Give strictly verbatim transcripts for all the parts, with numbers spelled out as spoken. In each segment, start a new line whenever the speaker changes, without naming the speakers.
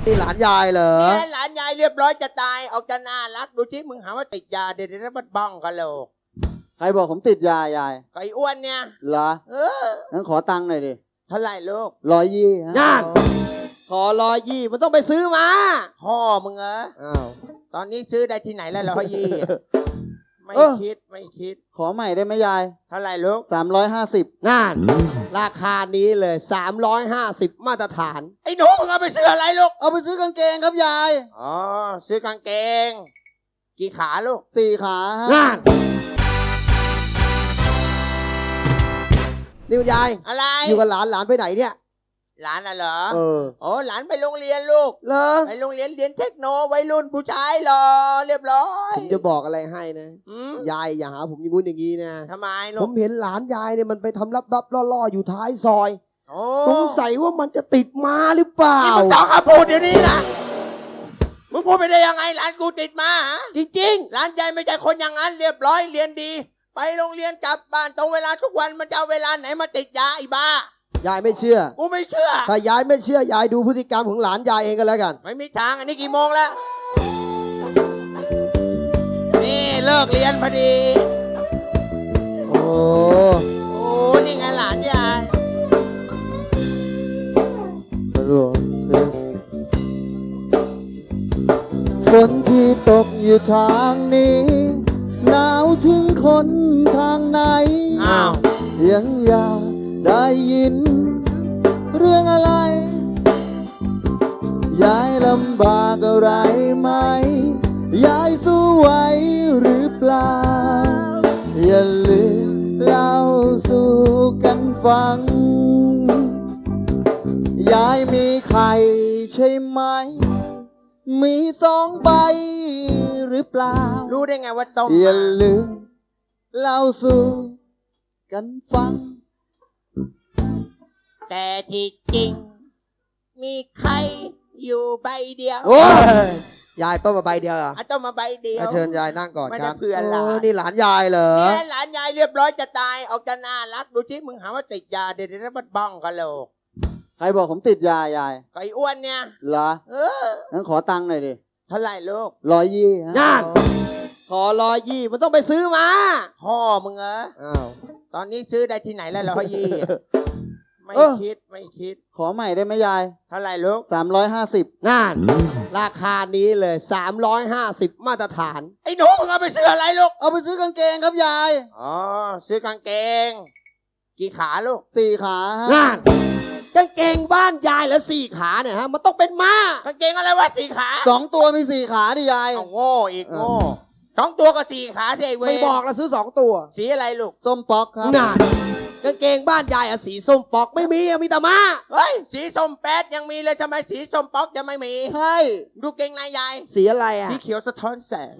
นี่หลานยายเหรอ
เนี่ยหลานยายเรียบร้อยจะตายออกจะน่ารักดูที่มึงหาว่าติดยาเดี๋ยวนี้มันบ้องกันโหลก
ใครบอกผมติดยายาย
ไอ้อ้วนเนี่ย
เหรอ
เออ
งั้นขอตังค์หน่อยดิ
เท่าไหร่ลูก
ร้อยยี่ฮะ
นั่นขอร้อยยี่มันต้องไปซื้อมา
พ่อมึงเหรอ
อ้าว
ตอนนี้ซื้อได้ที่ไหนแล้วร้อยยี่ไม่คิดไม่คิด
ขอใหม่ได้ไหมยาย
เท่าไหร่ลูก
สามร้อยห้าสิบ
นั่นราคานี้เลยสามร้อยห้าสิบมาตรฐาน
ไอ้หนูมึงเอาไปซื้ออะไรลูก
เอาไปซื้อกางเกงครับยาย
อ๋อซื้อกางเกงกี่ขาลูก
สี่ขาฮะ
นั่นนี่คุณยาย
อะไร
อยู่กับหลานหลานไปไหนเนี่ย
หลานน่ะเหรอ
เออ
โอ้หลานไปโรงเรียนลูก
เหรอ
ไปโรงเรียนเรียนเทคโนวัยรุ่นผู้ชายหรอเรียบร้อย
ผมจะบอกอะไรให้นะยายอย่าหาผมอย่างงู้นอย่างงี้นะ
ทำไมลูก
ผมเห็นหลานยายเนี่ยมันไปทำลับๆล่อๆอยู่ท้ายซอยสงสัยว่ามันจะติดมาหรือเปล่า
มึงต้องมาพูดเดี๋ยวนี้นะมึงพูดไปได้ยังไงหลานกูติดมา
จริง
ๆหลานยายไม่ใช่คนอย่างนั้นเรียบร้อยเรียนดีไปโรงเรียนกลับบ้านตรงเวลาทุกวันมันจะเอาเวลาไหนมาติดยาไอ้บ้าย
ายไม่เชื่อ
กูไม่เชื่อ
ถ้ายายไม่เชื่อยายดูพฤติกรรมของหลานยายเองก็แล้วกัน
ไม่มีทางอันนี้กี่โมงแล้วนี่เลิกเรียนพอดี
โอ้
โอ้นี่ไงหลานยาย
ฝนที่ตกอยู่ทางนี้หนาวถึงคนทางไหน
อ้าว
ยังอยากได้ยินเรื่องอะไรยายลำบากอะไรไหมยายสู้ไหวหรือเปล่าอย่าลืมเล่าสู่กันฟังยายมีไข่ใช่ไหมมีสองใบหรือเปล่า
รู้ได้ไงว่าต้ม
อย่าลืมเล่าสู่กันฟัง
แต่ที่จริงมีใครอยู่ใบเดียว
โอ้ยยายต้มมาใบเดียวเหรอ
ต้มมาใบเดียว
เชิญยายนั่งก่อนครับ
ไม่ได้เพื่อนหลาน
นี่หลานยายเหรอ
เนี่ยหลานยายเรียบร้อยจะตายออกจะน่ารักดูที่มึงหาว่าติดยาเดี๋ยวนี้มันบ้องกันโหลก
ใครบอกผมติดยายาย
ไอ้อ้วนเนี่ย
เหรอ
เออ
งั้นขอตังค์หน่อยดิ
เท่าไหร่ลูก
ร้อยยี่ฮะ
นั่นขอร้อยยี่มันต้องไปซื้อมา
พ่อมึงเหรอ
อ้าว
ตอนนี้ซื้อได้ที่ไหนแล้วร้อยยี่ไม่คิดไม่คิด
ขอใหม่ได้ไหมยาย
เท่าไหร่ลูก
สามร้อยห้าสิบ
นั่นราคานี้เลยสามร้อยห้าสิบมาตรฐาน
ไอ้หนูมึงเอาไปซื้ออะไรลูก
เอาไปซื้อกางเกงครับยาย
อ๋อซื้อกางเกงกี่ขาลูก
สี่ขาฮะ
นั่นกางเกงบ้านยายแล้วสี่ขาเนี่ยฮะมันต้องเป็นม้าก
างเกงอะไรวะสี่ขา
สองตัวมีสี่ขาดิยาย
โง่อีกโง่สองตัวก็สี่ขาสิไอ้เวร
ไม่บอกแล้วซื้อสองตัว
สีอะไรลูก
ส้มป๊อกครับ
นั่นกางเกงบ้านยายอะสีส้มป๊อกไม่มีมีแต่ม้า
เฮ้ยสีส้มแป๊ดยังมีเลยทำไมสีส้มป๊อกจะไม่มี
ใช่
ดูเกงนายยาย
สีอะไรอะ
สีเขียวสะท้อนแสง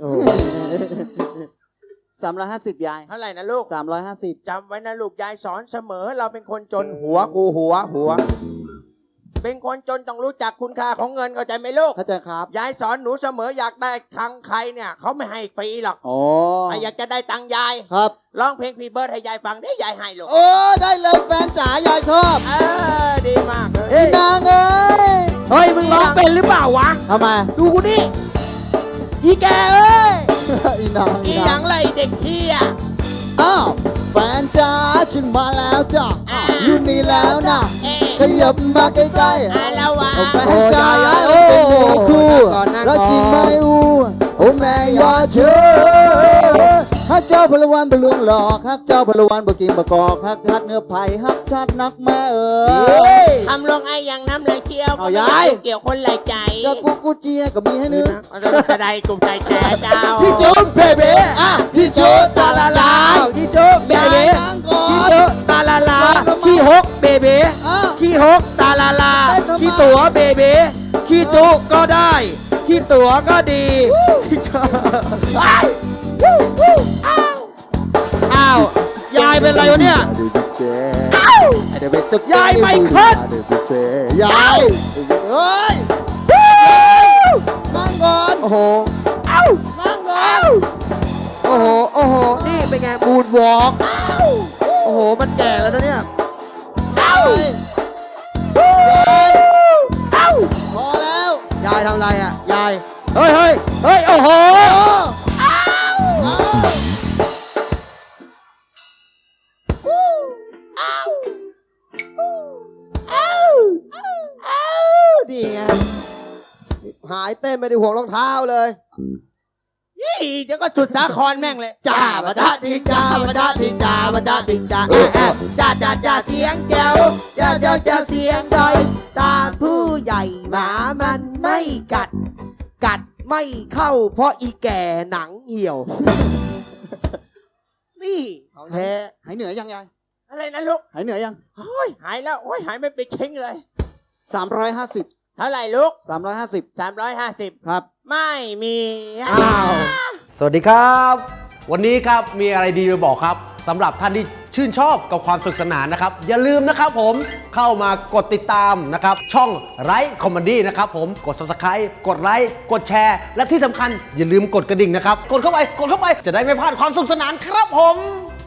สามร้อยห้าสิบยาย
เท่าไหร่นะลูก
สามร้อยห้าสิบ
จำไว้นะลูกยายสอนเสมอเราเป็นคนจนหัวกูหัวหัวเป็นคนจนต้องรู้จักคุณค่าของเงินเข้าใจไหมลูก
เข้าใจครับ
ยายสอนหนูเสมออยากได้ตังค์ใครเนี่ยเขาไม่ให้ฟรีหรอก
โอ้
อยากจะได้ตังค์ยาย
ครับ
ร้องเพลงพี่เบิร์ดให้ยายฟังได้ยายให้ลูก
โอ้ได้เลยแฟนจ๋ายายชอบ
เออดีมากเลย
ไอ้นางเอ้ย
เฮ้ยมึงร้องเป็นหรือเปล่าวะ
ทำไม
ดูกูนี่อีแกเอ้ย
อีนาง
อีหยังไรเด็กเฮีย
อ้าวแฟนจ๋าฉันมาแล้วจ้ะอยู่นี่แล้วนะขยับมาใกล้ๆแฟนจ๋าเป็นเนื้อคู่รักจริงไหมอูโอ้แม่ยาเชื่อฮักเจ้าพลวันบลวงหลอกฮักเจ้าพลวันบกินบกอกฮักชัดเนื้อไผ่ฮักชัดนักแม่เอ๋
ยทำลงไอ้ยังน้ำไหลเชี่ยวก็ไม่เกี่ยวคนไหลใจ
ก็กูกูเจียก็มีให้นึก
กระไดกลุ่มใจแก่เจ้า
พี่จุ๊บเบเบ้อ่ะพี่จุ๊บตาลาลา
พี่จุ๊บเบเบ้พี่จุ๊บตาลาลาขี้หกเบเบ้ขี้หกตาลาลาขี้ตัวเบเบ้ขี้จุ๊ก็ได้ขี้ตัวก็ดีอ้าวยายเป็นไรวะเนี่ยยายไม่ขึ้น
ยายเฮ้ยนั่งก่อน
โอ้โห
เอ้านั่งก่อน
โอ้โหโอ้โหนี่เป็นไงบูดวอล์กโอ้โหมันแก่แล้วนะเนี่ย
เอ้าเอ้าพอแล้ว
ยายทำอะไรอ่ะยายเฮ้ยเฮ้ยเฮ้ยโอ้โห
นี่ไงหายเต้นไม่ได้ห่วงรองเท้าเลย
ยี่เดี๋ยวก็สุดสาครแม่งเลย
จ้ามาจ้าทิงจ้ามาจ้าทิงจ้ามาจ้าทิงจ้าแอบแอบจ้าจ้าจ้าเสียงแจ๋วจ้าจ้าจ้าเสียงดอยตาผู้ใหญ่หมามันไม่กัด กัดไม่เข้าเพราะอีแก่หนังเหี่ยว นี่แท้หายเหนื่อยยังยาย
อะไรนะลูก
หายเหนื่อยยัง
โอ้ยหายแล้วโอ้ยหายไม่ไปเค้งเลย
สามร้อยห้าสิบ
เท่าไหร่ลูก
สามร้อยห้าสิบ
สามร้อยห้าสิบ
ครับ
ไม่มี
อ้าว
สวัสดีครับ วันนี้ครับมีอะไรดีมาบอกครับสำหรับท่านที่ชื่นชอบกับความสนุกสนานนะครับ อย่าลืมนะครับผมเข้ามากดติดตามนะครับ ช่องไลฟ์คอมเมดี้นะครับผมกด ซับสไครบ์ กดไลค์กดแชร์ และที่สำคัญอย่าลืมกดกระดิ่งนะครับ กดเข้าไปกดเข้าไปจะได้ไม่พลาดความสนุกสนานครับผม